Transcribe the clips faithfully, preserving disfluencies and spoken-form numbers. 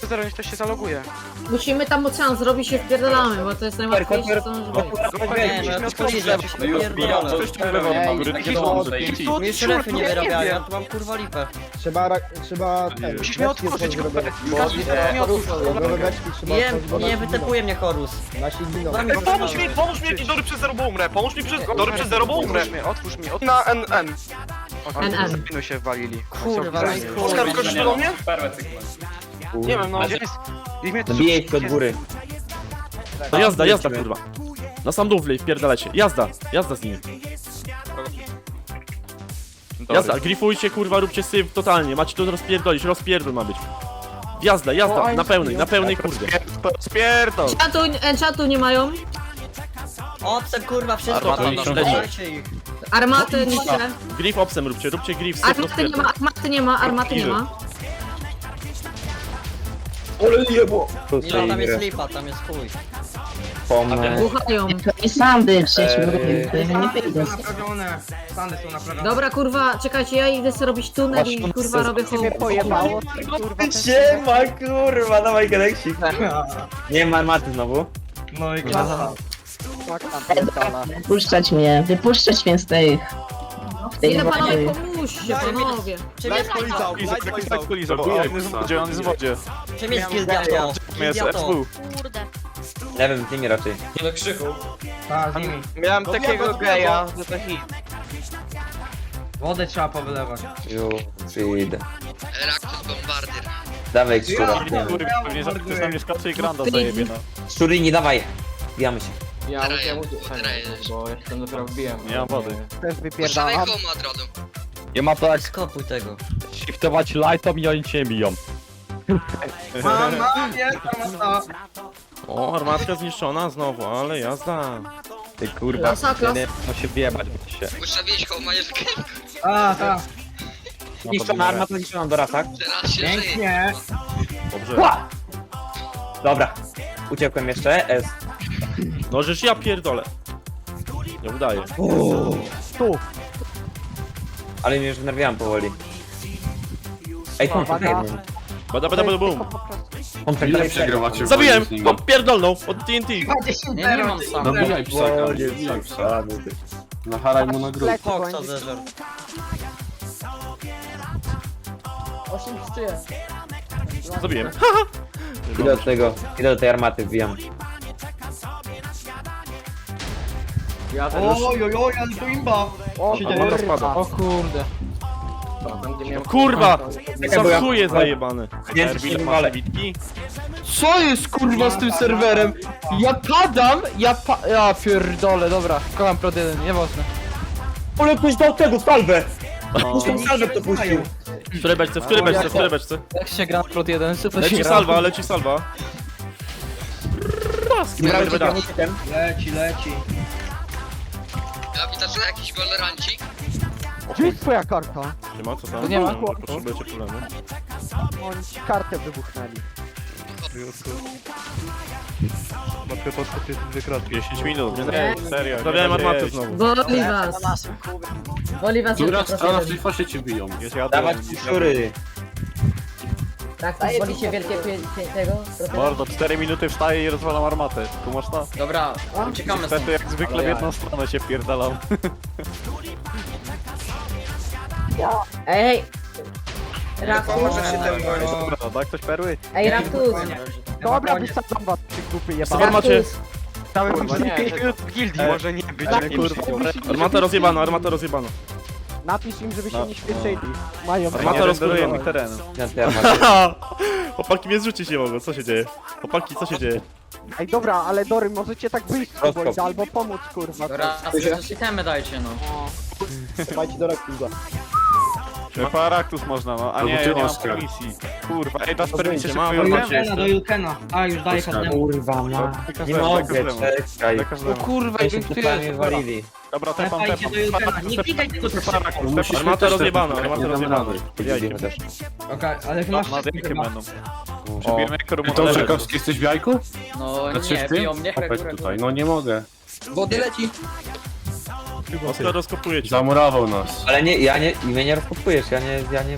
zero niech to się zaloguje. Musimy tam ocean zrobić i wpierdalamy, bo to jest najłatwiejsze co może być. Nie, no to policzę, pierdolę. Mi jeszcze refy nie wyrabiają, ja tu mam kurwa lipę. Trzeba, ra- trzeba... ten, Musisz mnie beczki otworzyć, otworzyć, Hubert. bo- Każdy teraz mnie otwórz. Nowe beczki trzeba Nie, otworzyć, bo nie nasi wytepuje mnie Horus. giną. Nasi giną. Daj mi Ej, pomóż mi, pomóż mi, jakiś Dory przez zero, bo umrę. Pomóż mi przez, Dory przez zero, bo umrę. Otwórz mnie, otwórz mnie, otwórz Na N N. N N. Zapinu się walili. Kurwa, no i chuj. Oskar, skoczysz do mnie? Nie wiem, no gdzie jest... Niech mnie to Zabijaj się od góry. No jazda, jazda kurwa. Na sam dół wlej, wpierdalajcie. Jazda, jazda z nimi. Jazda, grifujcie kurwa, róbcie syf totalnie. Macie tu rozpierdolić, rozpierdol ma być. Jazda, jazda, na pełnej, na pełnej kurde. Spierdol! Enchatu, enchatu nie mają. Obsem kurwa, wszystko Armata tam, niszczą. dajcie ich. Armaty niszczę. Grif obsem róbcie, róbcie grif, syf Armaty nie rozpierdol. ma, armaty nie ma, armaty nie ma. Ole jebo! Milo, tam jest lipa, tam jest chuj. Pomę. Buchają. I sandy przecież Eee. mówię, to ja nie wyjdę. Naprawione. Stany są naprawione. Dobra kurwa, czekajcie, ja idę sobie robić tunel i kurwa robię hołd. pojebało. Siema kurwa, dawaj Galaxy. Nie ma maty znowu. No i klasa. Wypuszczać mnie, wypuszczać mnie z tej... z tej Ile panowie, wody. pomóżcie panowie. Czym jest On jest w wodzie, on jest w wodzie. Czym jest gildiato? Gildiato. Nie wiem, z nimi raczej. Tak, z nimi. Miałem takiego geja, że to hit. Wodę trzeba powylewać. Ju, przyjdę. Raktus bombardier. Dawaj szczura. Pewnie ktoś na mnie skacze i granda zajebie, no. Szczury, nie dawaj. Bijamy się. Ja ja bo jestem dopiero wbiłem. Nie mam wody. Puszczamy home od razu. Ja mam tak Skopuj tego. shiftować lightom i oni cię nie biją. Mama, jest armata. O, armatka zniszczona znowu, ale jazda. Ty kurwa, Klasa, klasa. no się wjebać się. Ustawiłeś home, jest A, tak. Zniszczona armata, zniszczona Dora, tak? teraz się żyje. Pięknie. Dobrze. Dobra. Uciekłem jeszcze. S. No żeż ja pierdolę. Nie udaje. Ale mnie już wnerwiałem powoli. Ej, kontrakt jeden. Bada bada bada bum. Kontrakt Ile dalej przegrywacie? Zabiłem! O, pierdolną! Od T N T! Nie, nie mam sam. Nabijaj psaka, nabijaj psaka. Nacharaj mu na grób. Foxa zeżer. Zabiłem. Idę do tego, idę do tej armaty, wbijam. Oj, oj, oj, ale to imba. O, armata spada. O kurde. Kurwa! bo ja- Za chuje zajebane. Nie, Erbil, nie masz walę. bitki? Co jest kurwa z tym serwerem? Ja padam, ja pa... Ja pierdolę, dobra. Kocham prod jeden, nieważne. Ale ktoś dał tego, salwę! Puszczą salwę, kto puścił. W której beczce, w której beczce, w której beczce? Jak się gra prod jeden, super się Leci gra. salwa, leci salwa. Dobra, Dobra, uciekam. Leci, leci. Ja widzę, że jakiś golerancik. Gdzie jest twoja karta? Nie ma co tam? Nie ma. No, potrzebujecie problemu. Oni ci kartę wybuchnęli. dziesięć minut. Nie. Serio. Stawiałem armatę znowu. Boli was. Boli was. Która tylko strona w proszę. tej fasie cię biją? Dawać ci szczury. Tak, to wolicie wielkie pie- pie- tego? Mordo, cztery minuty wstaję i rozwalam armatę. Tu masz to? Dobra, uciekamy stąd. Niestety jak zwykle w jedną stronę się wpierdalam. Ej, hej. Raptus. Dobra, da ktoś perły? Ej, Raptus. Dobra, wysadzam was przy grupy Co macie? Kurwa nie, w gildii może nie być. Tak, nie, kurwa. Armata rozjebana, armata rozjebana. Napisz im, żeby się No. nie śpieszyli. Mają Armata Nie renderuję rozkurwiona. mi terenu. Na tej armacie. Chłopaki mnie zrzucić nie mogą, co się dzieje? Chłopaki, co się dzieje? Ej, dobra, ale Dory, możecie tak wyjść z Rozkop. kogoś, albo pomóc, kurwa. Dobra, a sobie też itemy dajcie no. Dawajcie do Raktuza. Paraktus można, no. A nie, ja nie mam Oskar. permisji. Kurwa, ej, dasz permisję Będzie, ma szybko armacie armacie. do Jukena. A, już daję Oskar. każdemu. Kurwa ma. Nie Każdemu, mogę, każdemu. czekaj. Dla każdemu. kurwa, Ja się tutaj walili. Dobra, tepam, Trafajcie tepam. do Jukena. Paraktus, Nie klikaj tylko tepam, przez Paraktus, Musisz tepam. Armata też rozjebana, tepać, armata nie damy rozjebana. rady. Widzimy też. Okej, ale masz Ma dymki chyba. będą. Przebijemy jak Ty korum. to Czekowski jesteś w jajku? No Znaczy nie, w tym? biją mnie, Chodź reguł, tutaj, no nie mogę. Wody leci. Oskar rozkopuje cię. Zamurował nas. Ale nie, ja nie, mnie nie rozkopujesz, ja nie, ja nie...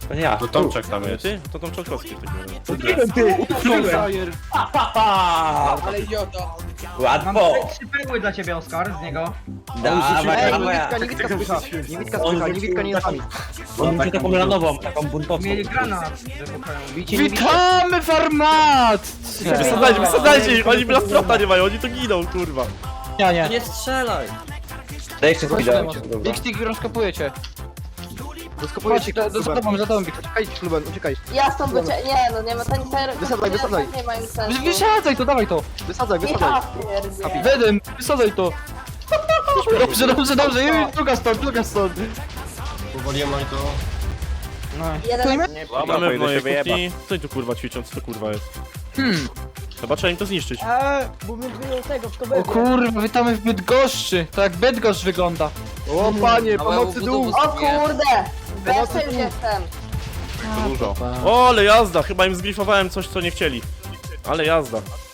To nie ja. To Tomczak tam Nie jest. ty? To Tom Czolkowski w takim razie. Ale joda. Łatwo. trzy perły dla ciebie, Oskar, z niego. Dawaj, Ej, dawaj. niewidka, niewidka spycha. Niewidka On spycha, rzucił niewidka nie jest taką- nami. On rzucił taką ranową, taką buntowską. granat. Bicie niewidka. Witamy w armatce! Wysadzajcie, wysadzajcie ich, oni blastrota nie mają, oni to giną, kurwa. Ja nie. Nie strzelaj. Daj jeszcze speeda. Big Stick rozkopujecie. Rozkopuję Chodź, cię, za za tobą, za tobą, Big Stick. Uciekaj, Kluben, uciekaj. Ja stąd wycie... Nie, no nie ma ten ter... Wysadzaj, wysadzaj. Nie mają sensu. Wysadzaj to, dawaj to. Wysadzaj, wysadzaj. Ja pierdzielę. Wedem, wysadzaj to. Dobrze, dobrze, dobrze, i druga stąd, druga stąd. Powoliłem oni to... Jeden... Dobra, Mamy w powinno mojej się wyjebać. kuchni. Co oni tu kurwa ćwiczą, co to kurwa jest? Hmm. Chyba trzeba im to zniszczyć. Eee, bo my wyjął tego, w to O kurwa, witamy w Bydgoszczy. To jak Bydgoszcz wygląda. O panie, pomocy dół. O kurde! Besem jestem. To dużo. O, ale jazda, chyba im zgrifowałem coś, co nie chcieli. Ale jazda.